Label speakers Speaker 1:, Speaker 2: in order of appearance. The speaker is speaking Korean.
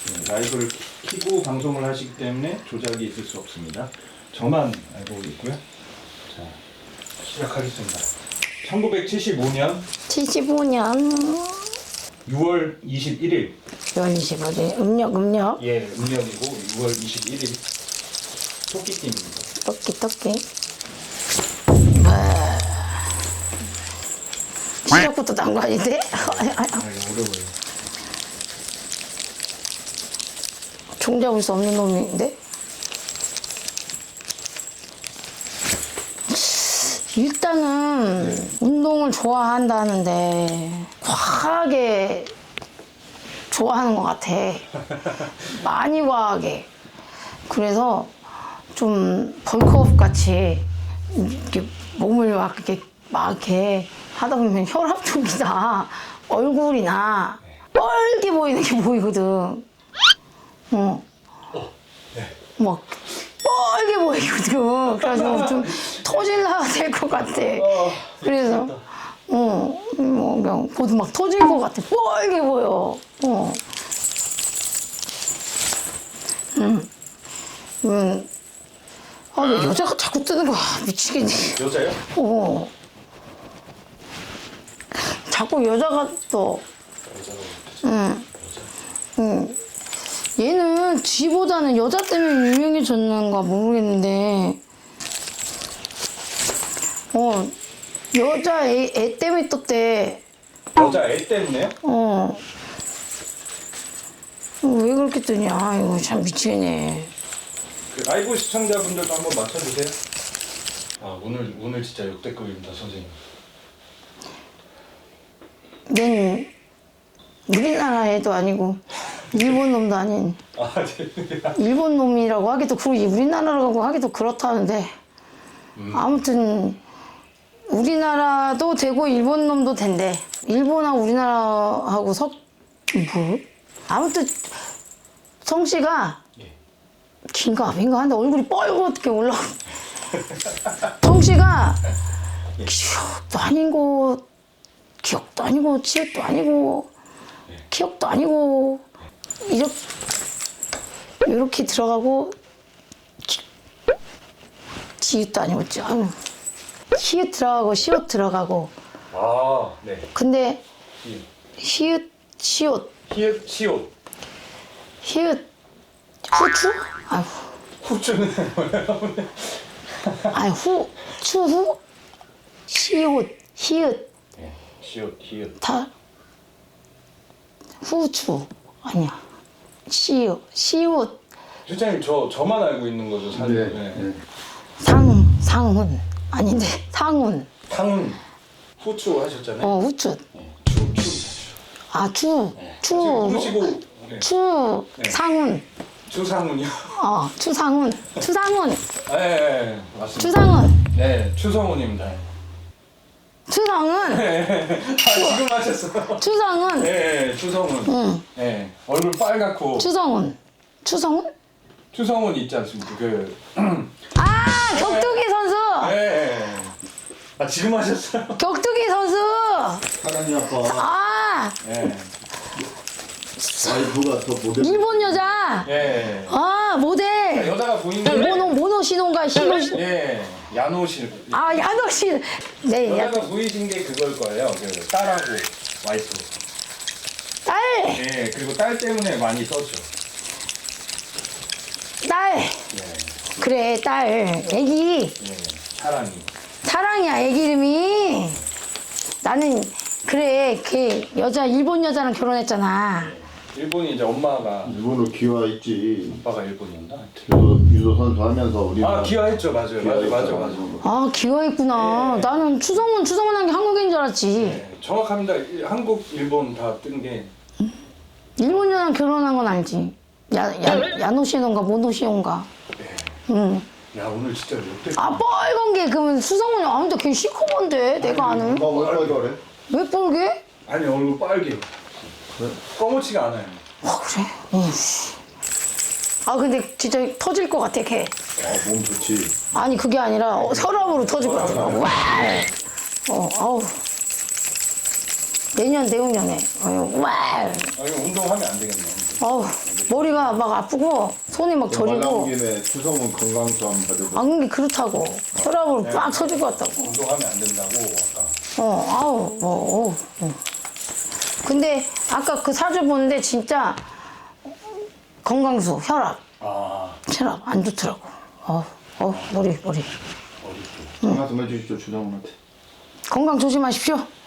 Speaker 1: 라이브를 켜고 방송을 하시기 때문에 조작이 있을 수 없습니다. 저만 알고 있고요. 자, 시작하겠습니다. 1975년
Speaker 2: 75년
Speaker 1: 6월 21일.
Speaker 2: 6월 25일 음력
Speaker 1: 예, 음력이고 6월 21일. 토끼띠입니다.
Speaker 2: 토끼 시작부터 난 거 아닌데?
Speaker 1: 어려워요.
Speaker 2: 종잡을 수 없는 놈인데? 일단은 운동을 좋아한다는데 과하게 좋아하는 것 같아. 많이 과하게. 그래서 좀 벌크업 같이 이렇게 몸을 막 이렇게 하다 보면 혈압 쪽이나 얼굴이나 뻘게 보이는 게 보이거든. 막 뻘게 보이거든. 그래가지고 좀 터질라 될 것 같아. 그래서 뭐 그냥 보도 막 터질 것 같아. 뻘게 보여. 아, 왜 여자가 자꾸 뜨는 거야? 미치겠네.
Speaker 1: 여자요?
Speaker 2: 자꾸 여자가 떠. 얘는 쥐보다는 여자 때문에 유명해졌는가 모르겠는데, 여자 애 때문에 떴대.
Speaker 1: 여자 애 때문에요?
Speaker 2: 왜 그렇게 뜨냐? 이거 참 미치겠네.
Speaker 1: 그 라이브 시청자분들도 한번 맞춰주세요. 아, 오늘 진짜 역대급입니다, 선생님.
Speaker 2: 넌 우리나라 애도 아니고 일본 놈도 아닌
Speaker 1: 네.
Speaker 2: 일본 놈이라고 하기도 그렇고 우리나라라고 하기도 그렇다는데 아무튼 우리나라도 되고 일본 놈도 된대. 일본하고 우리나라하고 뭐? 아무튼 성씨가 긴가 민가 한데 얼굴이 뻘겋게 올라가. 성씨가 기억도 아니고 치읓도 아니고 기억도 아니고 이렇게 들어가고 지읒도 아니고 히읗 들어가고 시옷 들어가고.
Speaker 1: 아, 네.
Speaker 2: 근데 히읗 시옷
Speaker 1: 히읗, 시옷.
Speaker 2: 히읗 후추? 아휴
Speaker 1: 후추는 뭐예요?
Speaker 2: 아니 추후 시옷 히읗
Speaker 1: 네, 시옷, 히읗.
Speaker 2: 다 후추 아니야 시옷
Speaker 1: 실장님, 저만 알고 있는 거죠, 사실. 네.
Speaker 2: 상훈 아닌데 상훈
Speaker 1: 탕훈, 후추 하셨잖아요.
Speaker 2: 후추
Speaker 1: 부르시고. 네. 네.
Speaker 2: 상훈
Speaker 1: 추상훈이요?
Speaker 2: 추상훈
Speaker 1: 네, 맞습니다.
Speaker 2: 추상훈
Speaker 1: 네, 추성훈입니다.
Speaker 2: 추상훈
Speaker 1: 지금 하셨어요.
Speaker 2: 추상훈
Speaker 1: 네, 추성훈.
Speaker 2: 응.
Speaker 1: 네, 얼굴 빨갛고.
Speaker 2: 추성훈
Speaker 1: 추성훈 있지 않습니까?
Speaker 2: 격투기 선수
Speaker 1: 네. 아, 지금 하셨어요?
Speaker 2: 격투기 선수
Speaker 3: 사랑이 아빠
Speaker 1: 네.
Speaker 3: 와이프가 더 모델
Speaker 2: 일본 여자
Speaker 1: 네.
Speaker 2: 모델
Speaker 1: 여자가 보이는데.
Speaker 2: 모노시노인가 시노시
Speaker 1: 네, 야노실.
Speaker 2: 야노시 네
Speaker 1: 여자가 보이신 게 그걸 거예요. 그 딸하고 와이프.
Speaker 2: 딸
Speaker 1: 네, 그리고 딸 때문에 많이 썼죠.
Speaker 2: 딸 그래 딸 애기
Speaker 1: 네, 사랑이.
Speaker 2: 사랑이야 애기 이름이. 나는 그래 걔 여자 일본 여자랑 결혼했잖아.
Speaker 1: 일본이 이제 엄마가,
Speaker 3: 일본으로 기와있지.
Speaker 1: 아빠가 일본이었나? 하여튼.
Speaker 3: 유도 선수 하면서 우리나라
Speaker 1: 기화했죠. 맞아요.
Speaker 2: 기여했구나. 나는 추성훈 한 게 한국인 줄 알았지.
Speaker 1: 네, 정확합니다. 한국, 일본 다 뜬 게.
Speaker 2: 일본 여자랑 결혼한 건 알지. 야노시노인가 모노시노인가. 응.
Speaker 1: 야, 오늘 진짜 역대.
Speaker 2: 빨간 게 그러면 수성훈이 아무튼 걔 시커먼데 내가 아는.
Speaker 3: 엄마 왜 그래?
Speaker 2: 왜 빨개?
Speaker 1: 아니, 얼굴 빨개요. 검은치가 않아요.
Speaker 2: 그래? 근데 진짜 터질 것 같아 걔.
Speaker 3: 몸 좋지.
Speaker 2: 아니 그게 아니라 혈압으로 터질 것 같아. 와. 아우. 내년에. 와.
Speaker 1: 이거 운동하면 안 되겠네.
Speaker 2: 아우. 머리가 막 아프고 손이 막
Speaker 3: 말
Speaker 2: 저리고.
Speaker 3: 나온 김에 추성은 건강수 한번 받아보고.
Speaker 2: 안 그게 그렇다고. 혈압을 빡 터질 것 같다고.
Speaker 1: 운동하면 안 된다고 아까.
Speaker 2: 아우, 근데 아까 그 사주 보는데 진짜 건강수, 혈압 안 좋더라고. 머리.
Speaker 3: 전화 좀 해주십시오, 추성훈한테.
Speaker 2: 건강 조심하십시오.